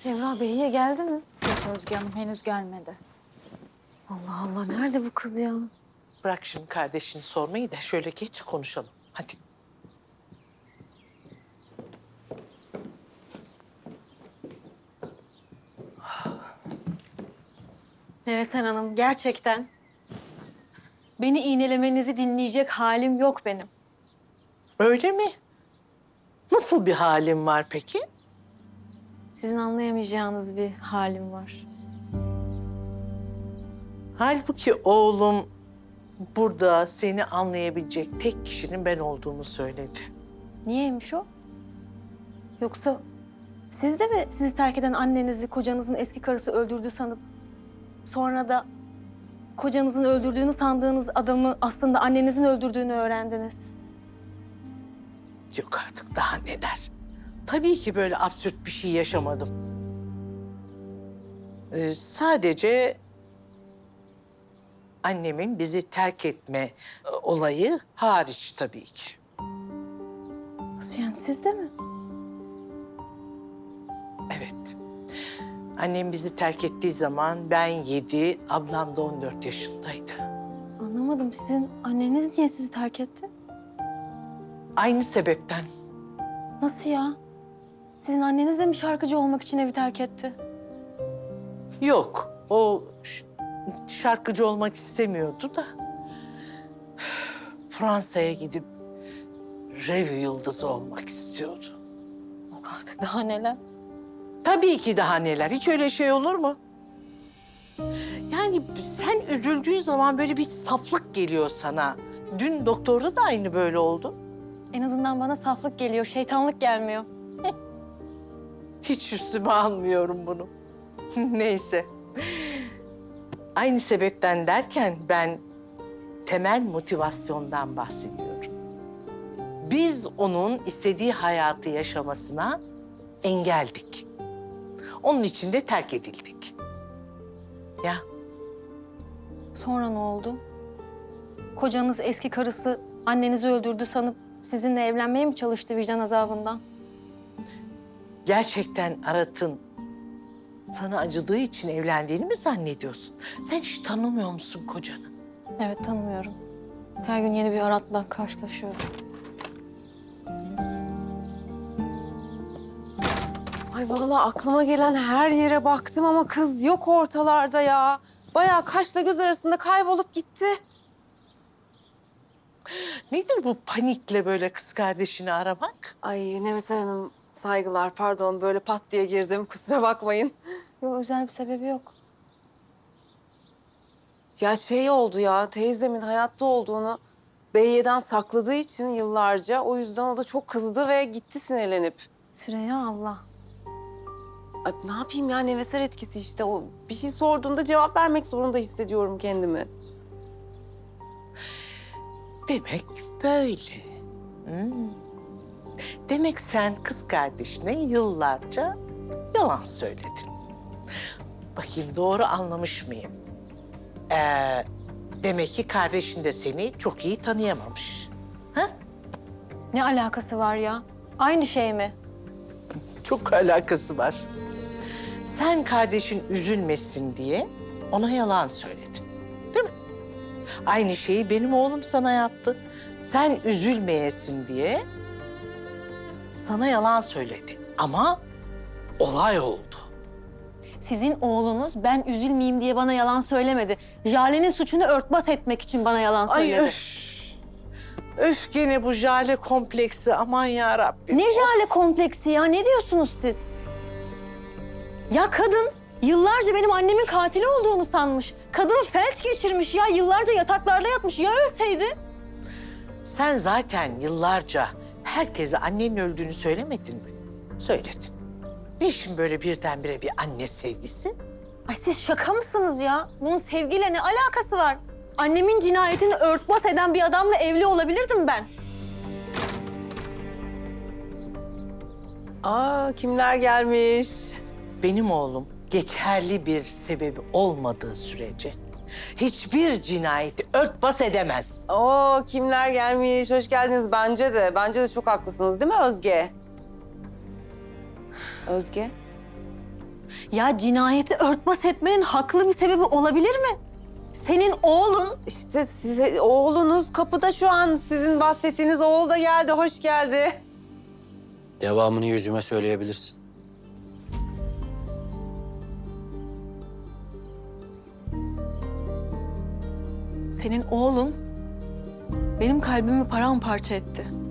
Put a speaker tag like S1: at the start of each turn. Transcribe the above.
S1: Semra Behiye geldi mi?
S2: Yok Özge Hanım henüz gelmedi.
S1: Allah Allah, nerede bu kız ya?
S3: Bırak şimdi kardeşini sormayı da şöyle geç konuşalım. Hadi.
S1: Nevesen Hanım, gerçekten beni iğnelemenizi dinleyecek halim yok benim.
S3: Öyle mi? Nasıl bir halin var peki?
S1: Sizin anlayamayacağınız bir halim var.
S3: Halbuki oğlum burada seni anlayabilecek tek kişinin ben olduğumu söyledi.
S1: Niyeymiş o? Yoksa siz de mi sizi terk eden annenizi kocanızın eski karısı öldürdü sanıp sonra da kocanızın öldürdüğünü sandığınız adamı aslında annenizin öldürdüğünü öğrendiniz?
S3: Yok artık daha neler. Tabii ki böyle absürt bir şey yaşamadım. Sadece annemin bizi terk etme olayı hariç tabii ki.
S1: Nasıl yani, siz de mi?
S3: Evet. Annem bizi terk ettiği zaman ben 7, ablam da 14 yaşındaydı.
S1: Anlamadım, sizin anneniz niye sizi terk etti?
S3: Aynı sebepten.
S1: Nasıl ya? Sizin anneniz de mi şarkıcı olmak için evi terk etti?
S3: Yok, o şarkıcı olmak istemiyordu da Fransa'ya gidip rev yıldızı olmak istiyordu.
S1: Yok artık, daha neler?
S3: Tabii ki daha neler. Hiç öyle şey olur mu? Yani sen üzüldüğün zaman böyle bir saflık geliyor sana. Dün doktorda da aynı böyle oldu.
S1: En azından bana saflık geliyor, şeytanlık gelmiyor.
S3: Hiç üstüme almıyorum bunu. Neyse. Aynı sebepten derken ben temel motivasyondan bahsediyorum. Biz onun istediği hayatı yaşamasına engeldik. Onun için de terk edildik. Ya
S1: Sonra ne oldu? Kocanız eski karısı annenizi öldürdü sanıp sizinle evlenmeye mi çalıştı vicdan azabından?
S3: gerçekten Arat'ın sana acıdığı için evlendiğini mi zannediyorsun? Sen hiç tanımıyor musun kocanı?
S1: Evet, tanımıyorum. Her gün yeni bir Arat'la karşılaşıyorum.
S4: Ay vallahi aklıma gelen her yere baktım ama kız yok ortalarda ya. Bayağı kaşla göz arasında kaybolup gitti.
S3: Nedir bu panikle böyle kız kardeşini aramak?
S4: Ay Nevesen Hanım saygılar pardon böyle pat diye girdim kusura bakmayın.
S1: Yok, özel bir sebebi yok.
S4: Ya şey oldu ya teyzemin hayatta olduğunu Beyye'den sakladığı için yıllarca o yüzden o da çok kızdı ve gitti sinirlenip.
S1: Süreyya abla.
S4: Ay, ne yapayım ya nevesel etkisi işte o bir şey sorduğunda cevap vermek zorunda hissediyorum kendimi.
S3: Demek böyle. Hmm. Demek sen kız kardeşine yıllarca yalan söyledin. Bakayım doğru anlamış mıyım? Demek ki kardeşin de seni çok iyi tanıyamamış. Ha?
S1: Ne alakası var ya? Aynı şey mi?
S3: Çok alakası var. Sen kardeşin üzülmesin diye ona yalan söyledin. Değil mi? Aynı şeyi benim oğlum sana yaptı. Sen üzülmeyesin diye sana yalan söyledi. Ama olay oldu.
S1: Sizin oğlunuz ben üzülmeyeyim diye bana yalan söylemedi. Jale'nin suçunu örtbas etmek için bana yalan söyledi.
S3: Ay öf. Öf gene bu Jale kompleksi aman ya Rabbim.
S1: Ne Jale kompleksi ya? Ne diyorsunuz siz? Ya kadın yıllarca benim annemin katili olduğunu sanmış. Kadın felç geçirmiş ya. Yıllarca yataklarda yatmış. Ya ölseydi?
S3: Sen zaten yıllarca herkese annenin öldüğünü söylemedin mi? Söyledin. Niçin böyle birdenbire bir anne sevgisi?
S1: Ay siz şaka mısınız ya? Bunun sevgiyle ne alakası var? Annemin cinayetini örtbas eden bir adamla evli olabilirdim ben.
S4: Aa kimler gelmiş?
S3: Benim oğlum geçerli bir sebebi olmadığı sürece hiçbir cinayeti örtbas edemez.
S4: Oo kimler gelmiş? Hoş geldiniz bence de. Bence de çok haklısınız değil mi Özge? Özge?
S1: Ya cinayeti örtbas etmenin haklı bir sebebi olabilir mi? Senin oğlun
S4: İşte size oğlunuz kapıda şu an. Sizin bahsettiğiniz oğul da geldi. Hoş geldi.
S5: Devamını yüzüme söyleyebilirsin.
S1: Senin oğlun benim kalbimi paramparça etti.